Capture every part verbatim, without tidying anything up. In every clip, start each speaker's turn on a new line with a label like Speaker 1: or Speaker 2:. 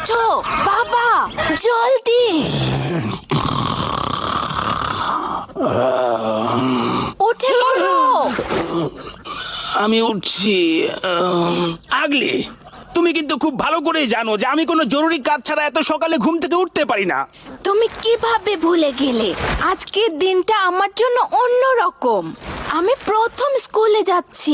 Speaker 1: ওঠো বাবা, জলদি উঠে পড়ো।
Speaker 2: আমি উঠছি। আগলি, তুমি কিন্তু খুব ভালো করে জানো যে আমি কোনো জরুরি কাজ ছাড়া এত সকালে ঘুম থেকে উঠতে পারি না।
Speaker 1: তুমি কিভাবে ভুলে গেলে? আজকের দিনটা আমার জন্য অন্য রকম। আমি প্রথম স্কুলে যাচ্ছি।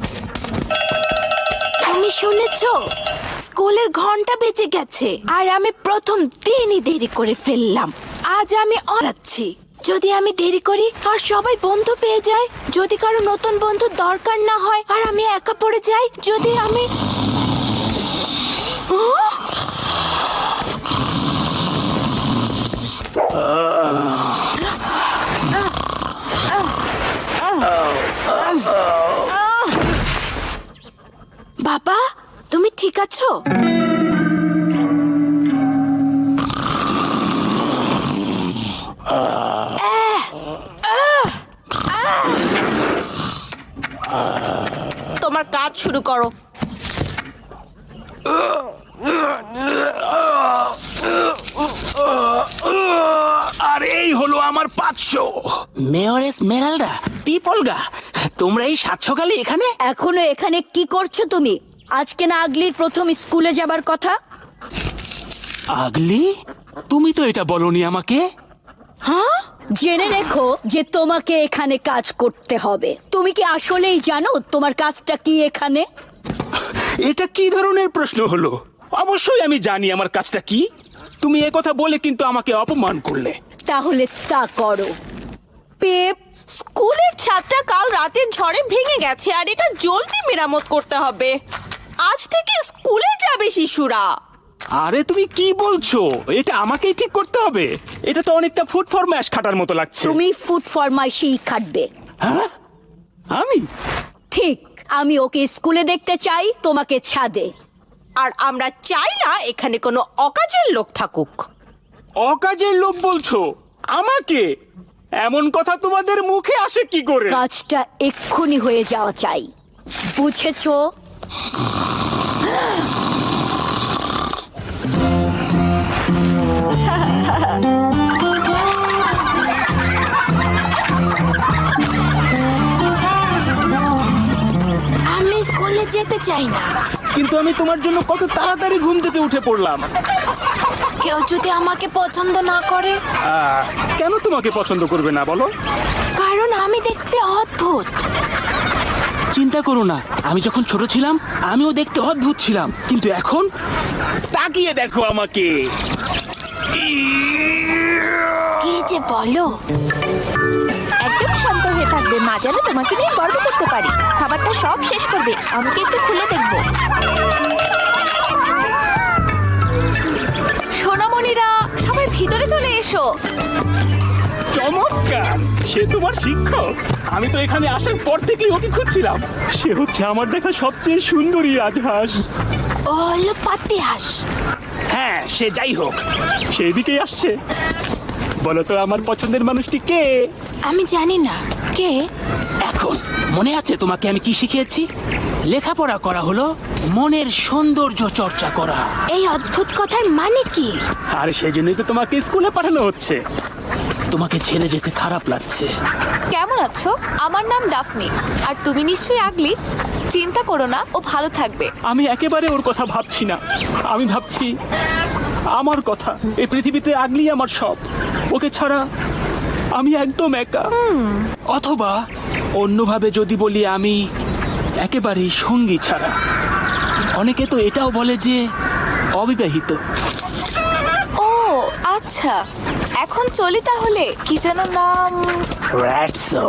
Speaker 1: তুমি শুনেছো? স্কুলের ঘন্টা বেজে গেছে আর আমি প্রথম দিনই দেরি করে ফেললাম। আজ আমি অরাচ্ছি। যদি আমি দেরি করি আর সবাই বন্ধু পেয়ে যায়, যদি কারো নতুন বন্ধু দরকার না হয় আর আমি একা পড়ে যাই, যদি আমি বাবা, তুমি ঠিক আছো?
Speaker 3: তোমার কাজ শুরু করো।
Speaker 2: আর এই হলো আমার পাঁচশো। মেয়র এসমেরাল্ডা, টিপলগা, তোমরা এই সাত সকালে এখানে?
Speaker 4: এখনো এখানে কি করছো তুমি? আজকে না আগলির প্রথম স্কুলে যাবার কথা?
Speaker 2: আগলি, তুমি তো এটা বলনি আমাকে।
Speaker 4: হ্যাঁ, জেনে রেখো যে তোমাকে এখানে কাজ করতে হবে। তুমি কি আসলেই জানো তোমার কাজটা কি এখানে?
Speaker 2: এটা কি ধরনের প্রশ্ন হলো? অবশ্যই আমি জানি আমার কাজটা কি। তুমি এ কথা বলে কিন্তু আমাকে অপমান করলে।
Speaker 4: তাহলে তা করো।
Speaker 3: পেপ, স্কুলের ছাদটা কাল রাতের ঝড়ে ভেঙে গেছে আর এটা জলদি মেরামত করতে হবে। আজ থেকে স্কুলে যাবে শিশুরা।
Speaker 2: আরে তুমি কি বলছো? এটা আমাকেই ঠিক করতে হবে? এটা তো অনেকটা ফুড ফরম্যাশ খাটার মতো লাগছে।
Speaker 4: তুমি ফুড ফরমাইশই খাটবে।
Speaker 2: হ্যাঁ, আমি?
Speaker 4: ঠিক, আমি ওকে স্কুলে দেখতে চাই, তোমাকে ছাদে।
Speaker 3: আর আমরা চাই না এখানে কোনো অকাজের লোক থাকুক।
Speaker 2: অকাজের লোক বলছো আমাকে? এমন কথা তোমাদের মুখে আসে কি করে?
Speaker 4: কাজটা এক্ষুনি হয়ে যাওয়া চাই, বুঝেছো?
Speaker 1: আমি স্কুলে যেতে চাই না।
Speaker 2: কিন্তু আমি তোমার জন্য কত তাড়াতাড়ি ঘুম থেকে উঠে পড়লাম।
Speaker 1: কেউ যদি আমাকে পছন্দ না করে?
Speaker 2: আহ, কেন তোমাকে পছন্দ করবে না বলো?
Speaker 1: কারণ আমি দেখতে অদ্ভুত।
Speaker 2: চিন্তা করো না, আমি যখন ছোট ছিলাম আমিও দেখতে অদ্ভুত ছিলাম, কিন্তু এখন তাকিয়ে দেখো আমাকে।
Speaker 1: কি যে বলো?
Speaker 5: একদম শান্ত হয়ে থাকবে। মা যেন তোমাকে নিয়ে গর্ব করতে পারি। খাবারটা সব শেষ করবে, আমাকে একটু খুলে দেখবো। সোনামণিরা, সবাই ভিতরে চলে এসো।
Speaker 2: চমৎকার, সে তোমার শিক্ষক? আমি তো এখানে আসার পর থেকেই ওকে খুঁজছিলাম। সে হচ্ছে আমার দেখা সবচেয়ে সুন্দরী রাজহাঁস।
Speaker 1: ও হলো পাতি হাঁস।
Speaker 2: হ্যাঁ, সে যাই হোক, সেই দিকেই আসছে। বলো তো আমার পছন্দের মানুষটি কে?
Speaker 1: আমি জানি না কে।
Speaker 2: এখন মনে আছে তোমাকে আমি কি শিখিয়েছি? লেখাপড়া করা হলো মনের সৌন্দর্য চর্চা করা।
Speaker 1: এই অদ্ভুত কথার মানে কি?
Speaker 2: আর সেই জন্যই তো তোমাকে স্কুলে পাঠানো হচ্ছে। তোমাকে ছেড়ে যেতে খারাপ লাগছে।
Speaker 5: কেমন আছো? আমার নাম ডাফনি। আর তুমি নিশ্চয়ই আগলি। চিন্তা করো না, ও ভালো থাকবে।
Speaker 2: আমি একেবারে ওর কথা ভাবছি না। আমি ভাবছি আমার কথা। এই পৃথিবীতে আগলি আমার সব। ওকে ছাড়া আমি একদম একা। অথবা অন্যভাবে যদি বলি, আমি একেবারেই সঙ্গী ছাড়া। অনেকে তো এটাও বলে যে অবিবাহিত।
Speaker 5: ও আচ্ছা, এখন চলি তাহলে। কি যেন নাম?
Speaker 2: রাটসো।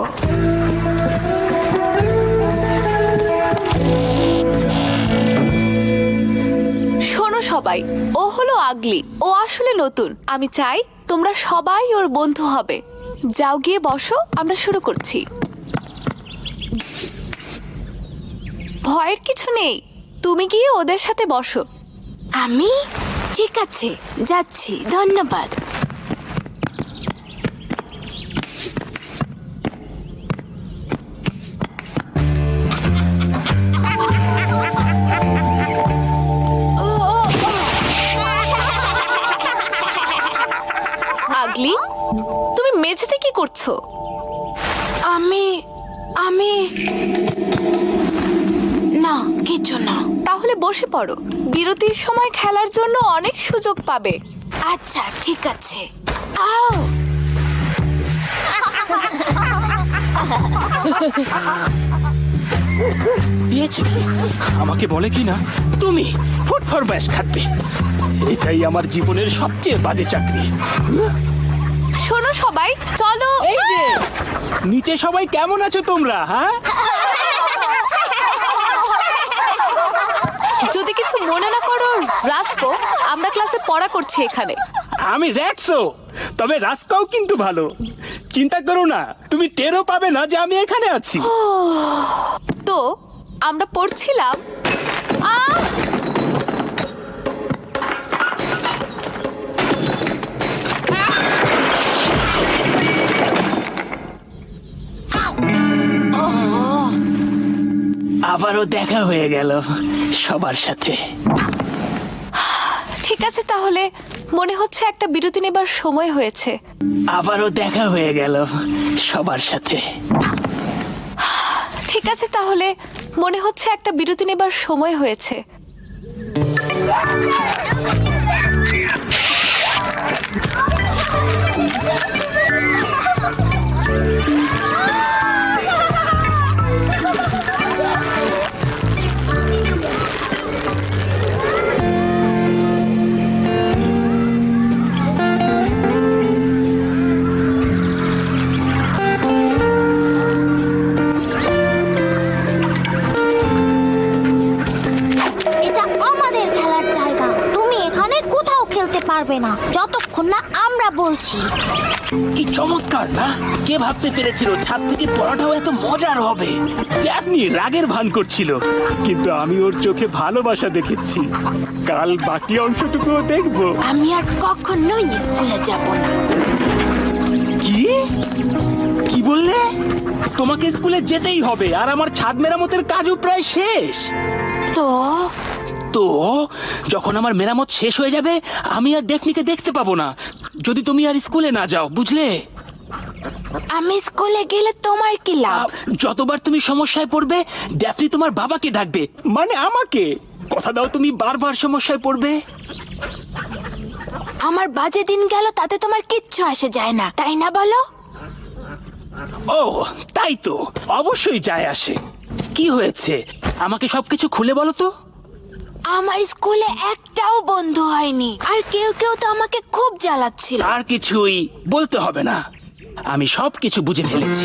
Speaker 5: শোনো সবাই, ও হলো আগলি। ও আসলে নতুন। আমি চাই তোমরা সবাই ওর বন্ধু হবে। যাও গিয়ে বসো, আমরা শুরু করছি। ভয়ের কিছু নেই, তুমি গিয়ে ওদের সাথে বসো।
Speaker 1: আমি? ঠিক আছে, যাচ্ছি। ধন্যবাদ। ও, ও, ও।
Speaker 5: আগলি, তুমি মেঝেতে কি করছো?
Speaker 1: আমি আমি না, কিছু না।
Speaker 5: তাহলে বসে পড়ো, বিরতির সময় খেলার জন্য অনেক সুযোগ পাবে।
Speaker 1: আচ্ছা ঠিক আছে। আও
Speaker 2: পেয়েছে কি? আমাকে বলে কি না তুমি ফুড ফর ব্যাশ খাটবে। এটাই আমার জীবনের সবচেয়ে বাজে চাকরি।
Speaker 5: শোনো সবাই, চলো।
Speaker 2: এই যে নিচে সবাই কেমন আছো তোমরা? হ্যাঁ,
Speaker 5: যদি কিছু মনে না করো রাস্কো, আমরা ক্লাসে পড়া করছি এখানে।
Speaker 2: আমি র্যাক্সো, তবে রাস্কাও কিন্তু ভালো। চিন্তা করো না, তুমি টেরও পাবে না যে আমি এখানে আছি।
Speaker 5: তো আমরা পড়ছিলাম। আহ!
Speaker 2: আবারও দেখা হয়ে গেল সবার সাথে।
Speaker 5: ঠিক আছে, তাহলে মনে হচ্ছে একটা বিরতি নেবার সময় হয়েছে।
Speaker 2: আবারও দেখা হয়ে গেল সবার সাথে।
Speaker 5: ঠিক আছে, তাহলে মনে হচ্ছে একটা বিরতি নেবার সময় হয়েছে।
Speaker 6: এটা আমাদের খেলার জায়গা। তুমি এখানে কোথাও খেলতে পারবে না যতক্ষণ না আমরা বলছি।
Speaker 2: কি চমৎকার না? কে ভাবতে পেরেছিল ছাদ থেকে পড়াটাও এত মজার হবে? ড্যাফনি রাগের ভান করছিল, কিন্তু আমি ওর চোখে ভালোবাসা দেখেছি। কাল বাকি অংশটুকুও দেখবো।
Speaker 1: আমি আর কখনোই স্কুলে যাব না।
Speaker 2: কি কি বললে? তোমাকে স্কুলে যেতেই হবে, আর আমার ছাদ মেরামতের কাজও প্রায় শেষ।
Speaker 1: তো
Speaker 2: তো যখন আমার মেরামত শেষ হয়ে যাবে, আমি আর ডেফনিকে দেখতে পাবো না যদি তুমি আর স্কুলে না যাও, বুঝলে?
Speaker 1: আমি স্কুলে গেলে তোমার কি লাভ?
Speaker 2: যতবার তুমি সমস্যায় পড়বে, ড্যাফনি তোমার বাবাকে ডাকবে, মানে আমাকে। কথা দাও তুমি বারবার সমস্যায় পড়বে।
Speaker 1: আমার বাজে দিন গেল তাতে তোমার কিচ্ছু আসে যায় না, তাই না বলো?
Speaker 2: ও তাই তো, অবশ্যই যায় আসে। কি হয়েছে আমাকে সবকিছু খুলে বলো তো।
Speaker 1: আমার স্কুলে একটাও বন্ধু হয়নি, আর কেউ কেউ তো আমাকে খুব জ্বালাচ্ছিল।
Speaker 2: আর কিছুই বলতে হবে না, আমি সব কিছু বুঝে ফেলেছি।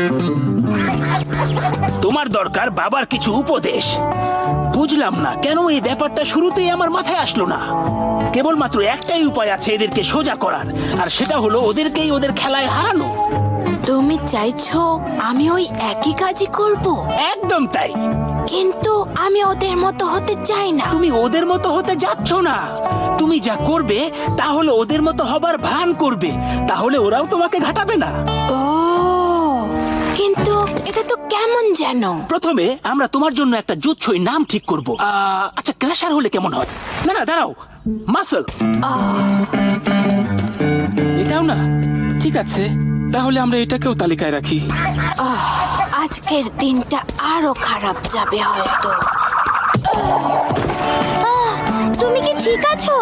Speaker 2: তোমার দরকার বাবার কিছু উপদেশ। বুঝলাম না কেন এই ব্যাপারটা শুরুতেই আমার মাথায় আসলো না। কেবলমাত্র একটাই উপায় আছে এদেরকে সোজা করার, আর সেটা হলো ওদেরকেই ওদের খেলায় হারানো।
Speaker 1: তুমি চাইছো আমি ওই একই কাজই করব?
Speaker 2: একদম তাই।
Speaker 1: কিন্তু আমি ওদের মতো হতে চাই না।
Speaker 2: তুমি ওদের মতো হতে যাচ্ছ না। তুমি যা করবে তা হলো ওদের মতো হবার ভান করবে, তাহলে ওরাও তোমাকে ঘাটাবে না।
Speaker 1: ও, কিন্তু এটা তো কেমন যেন।
Speaker 2: প্রথমে আমরা তোমার জন্য একটা জুৎসই নাম ঠিক করব। আহ, আচ্ছা ক্র্যাশার হলে কেমন হয়? না না দাঁড়াও, মাসল। এটাও না? ঠিক আছে, তাহলে আমরা এটাকেও তালিকায় রাখি।
Speaker 1: আহ, আজকের দিনটা আরো খারাপ যাবে হয়তো।
Speaker 6: আহ, তুমি কি ঠিক আছো?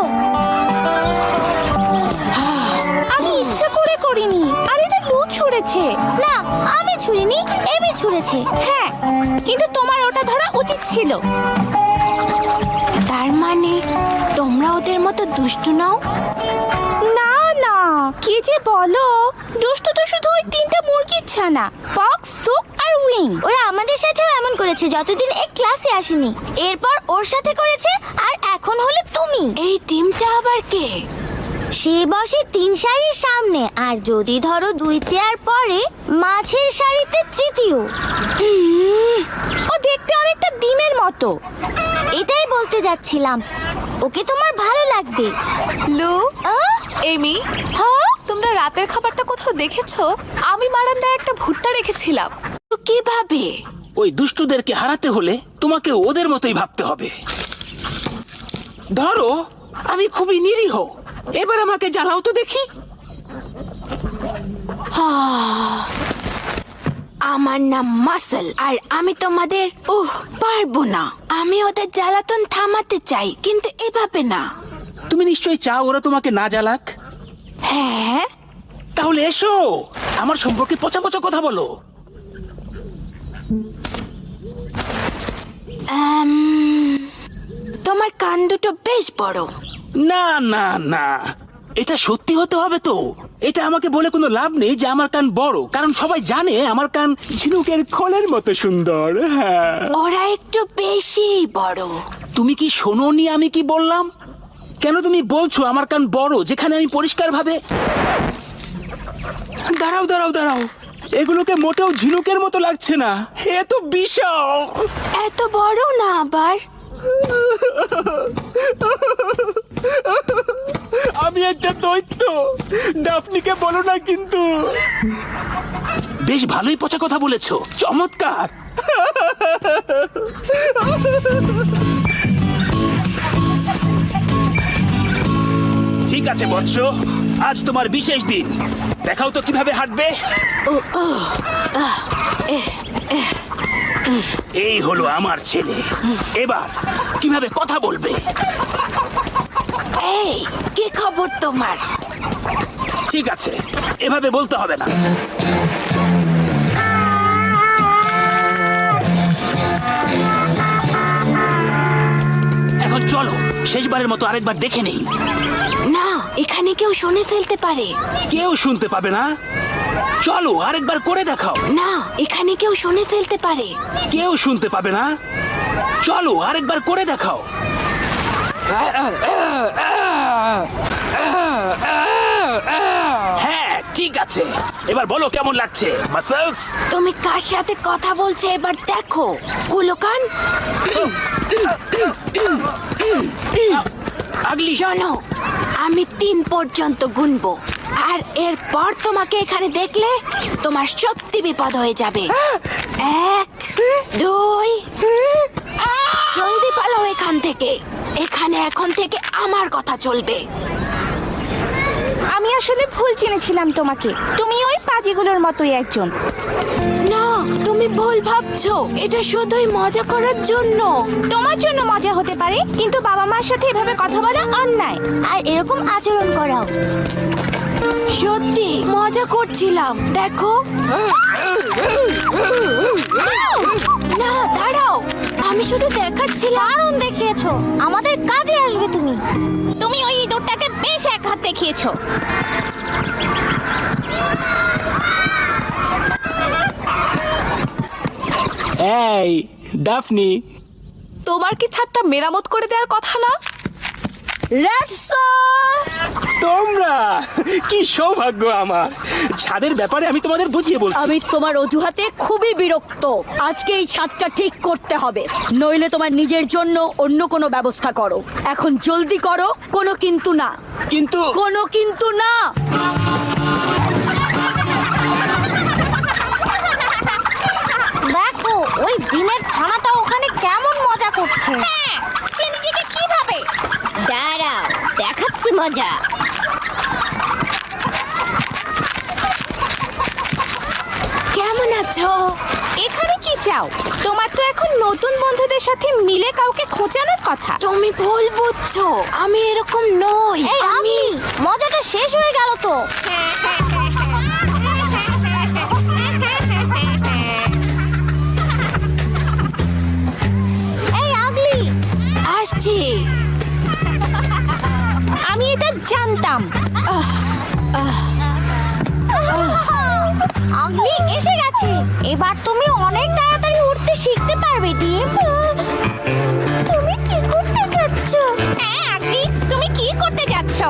Speaker 3: আমি ইচ্ছা করে করিনি, আর এটা লু ছুঁড়েছে।
Speaker 6: না, আমি ছুঁড়িনি, এমি ছুঁড়েছে।
Speaker 3: হ্যাঁ, কিন্তু তোমার ওটা ধরা উচিত ছিল।
Speaker 1: তার মানে তোমরা ওদের মতো দুষ্টু নাও?
Speaker 3: না না, কি যে বলো। দুষ্টু তো শুধু ওই তিনটা মুরগির ছানা, পক্স, সুপ আর উইং।
Speaker 6: ওরা আমাদের সাথেও এমন করেছে যতদিন এই ক্লাসে আসেনি। এরপর ওর সাথে করেছে, আর এখন হলে তুমি।
Speaker 1: এই টিমটা আবার কে?
Speaker 6: সে বসে তিন সারির সামনে, আর যদি ধরো দুই চেয়ার পরে মাঝের সারিতে তৃতীয়।
Speaker 3: ও দেখতে অনেকটা ডিমের মতো।
Speaker 6: এটাই বলতে যাচ্ছিলাম, ওকে তোমার ভালো লাগবে।
Speaker 5: লু,
Speaker 6: আহ,
Speaker 5: এমি, হ্যাঁ তোমরা রাতের খাবারটা কোথাও দেখেছো? আমি বারান্দায় একটা ভুট্টা রেখেছিলাম।
Speaker 1: তো কিভাবে?
Speaker 2: ওই দুষ্টুদেরকে হারাতে হলে তোমাকে ওদের মতোই ভাবতে হবে। ধরো আমি খুবই নিরীহ, এবার আমাকে জ্বালাও তো দেখি।
Speaker 1: আমার নাম মাসল, আর আমি তোমাদের উহ পারবো না। আমি ওদের জ্বালাতন থামাতে চাই, কিন্তু এভাবে না।
Speaker 2: তুমি নিশ্চয়ই চাও ওরা তোমাকে না জ্বালাক।
Speaker 1: হ্যাঁ,
Speaker 2: তাহলে এসো, আমার সম্পর্কে পচা পচা কথা বলো।
Speaker 1: আম, তোমার কান দুটো বেশ বড়।
Speaker 2: না না না, এটা সত্যি হতে হবে তো। এটা আমাকে বলে কোনো লাভ নেই যে আমার কান বড়, কারণ সবাই জানে আমার কান ঝিনুকের খোলের মতো সুন্দর। হ্যাঁ,
Speaker 1: ওরা একটু বেশি বড়।
Speaker 2: তুমি কি শোনোনি আমি কি বললাম? কেন তুমি বলছো আমার কান বড়, যেখানে আমি পরিষ্কার ভাবে... দাঁড়াও দাঁড়াও দাঁড়াও, এগুলোকে মোটেও ঝিনুকের মতো লাগছে না, এ তো বিশাল।
Speaker 1: এত বড় না আবার।
Speaker 2: আমি একটা দৈত্য, ডাফনিকে বলো না কিন্তু। বেশ ভালোই পচা কথা বলেছো, চমৎকার। ঠিক আছে বৎস, আজ তোমার বিশেষ দিন। দেখাও তো কিভাবে হাঁটবে। এই হলো আমার ছেলে। এবার কিভাবে কথা বলবে?
Speaker 1: এই, কি খবর তোমার?
Speaker 2: ঠিক আছে, এভাবে বলতে হবে না। এখন চলো, শেষবারের মতো আরেকবার দেখে নেই।
Speaker 1: না, এখানে কেউ শুনে ফেলতে পারে।
Speaker 2: কেউ শুনতে পাবে না। চলো আরেকবার করে দেখাও।
Speaker 1: না, এখানে কেউ শুনে ফেলতে পারে।
Speaker 2: কেউ শুনতে পাবে না। চলো আরেকবার করে দেখাও। হ্যাঁ, ঠিক আছে। এবার বলো কেমন লাগছে মাসলস?
Speaker 1: তুমি কার সাথে কথা বলছো এবার দেখো, কুলোকান।
Speaker 2: আগলি,
Speaker 1: শোনো, আমি তিন পর্যন্ত গুনবো, আর এরপর তোমাকে এখানে দেখলে তোমার সত্যি বিপদ হয়ে যাবে। এক, দুই, জলদি পালাও এখান থেকে। এখানে এখন থেকে আমার কথা চলবে।
Speaker 3: আমি আসলে ভুল চিনেছিলাম তোমাকে। তুমি ওই পাজিগুলোর মতোই একজন।
Speaker 1: না, তুমি ভুল ভাবছো। এটা শুধুই মজা করার জন্য।
Speaker 3: তোমার জন্য মজা হতে পারে, কিন্তু বাবা মার সাথে এভাবে কথা বলা অন্যায়।
Speaker 6: আর এরকম আচরণ করাও।
Speaker 1: সত্যি মজা করছিলাম, দেখো। না, দাঁড়াও, আমি শুধু দেখাচ্ছিলাম।
Speaker 6: দারুণ দেখিয়েছো, আমাদের কাজে আসবে তুমি।
Speaker 3: তুমি ওই ইঁদুরটাকে বেশ এক হাত দেখিয়েছো।
Speaker 2: এই ডাফনি,
Speaker 5: তোমার কি ছাদটা মেরামত করে দেওয়ার কথা না?
Speaker 2: তোমরা কি সৌভাগ্য আমার। ছাদের ব্যাপারে আমি তোমাদের বুঝিয়ে বলছি।
Speaker 4: আমি তোমার অজুহাতে খুবই বিরক্ত। আজকে এই ছাদটা ঠিক করতে হবে, নইলে তোমার নিজের জন্য অন্য কোনো ব্যবস্থা করো। এখন জলদি করো, কোনো কিন্তু না।
Speaker 2: কিন্তু
Speaker 4: কোনো কিন্তু না।
Speaker 6: দেখো, ওই ডিমের ছানাটা ওখানে কেমন মজা করছে।
Speaker 3: হ্যাঁ, সে নিজেকে কিভাবে...
Speaker 6: দাঁড়াও, দেখাচ্ছি মজা।
Speaker 1: কেমন আছো?
Speaker 3: এখানে কি চাও? তোমার তো এখন নতুন বন্ধুদের সাথে মিলে কাউকে খোঁচানোর কথা।
Speaker 1: তুমি ভুল বুঝছো, আমি এরকম নই।
Speaker 6: এই
Speaker 1: আমি
Speaker 6: আমি, মজাটা শেষ হয়ে গেল তো। এই আগলি,
Speaker 1: আসছি।
Speaker 3: আমি এটা জানতাম।
Speaker 6: আগলি এসে গেছে। এবার তুমি অনেক তাড়াতাড়ি উঠতে শিখতে পারবে ডিম। তুমি কি করতে যাচ্ছ?
Speaker 3: হ্যাঁ আগলি, তুমি কি করতে যাচ্ছ?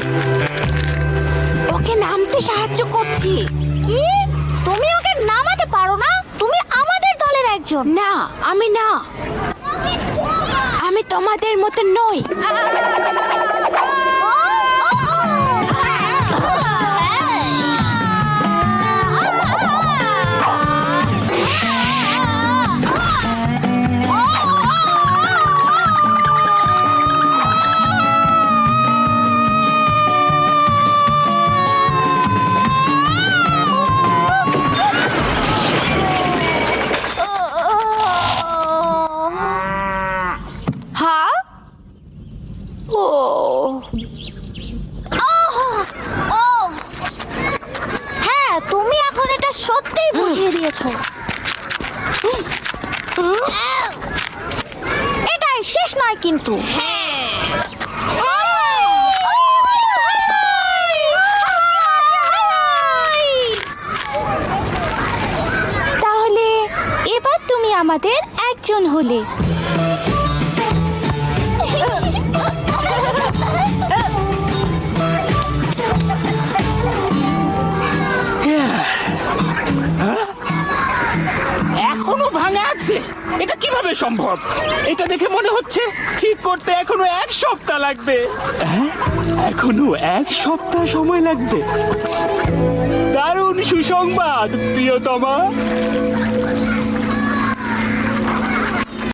Speaker 1: ওকে নামতে সাহায্য করছি।
Speaker 6: কি? তুমি ওকে নামাতে পারো না? তুমি আমাদের দলের একজন।
Speaker 1: না, আমি না। আমি তোমাদের মতো নই।
Speaker 6: এটাই শেষ নয় কিন্তু। তাহলে এবার তুমি আমাদের একজন হলে।
Speaker 2: এখনো ভাঙা আছে? এটা কিভাবে সম্ভব? এটা দেখে মনে হচ্ছে ঠিক করতে এখনো এক সপ্তাহ লাগবে। হ্যাঁ, এখনো এক সপ্তাহ সময় লাগবে। দারুণ সুসংবাদ প্রিয়তমা।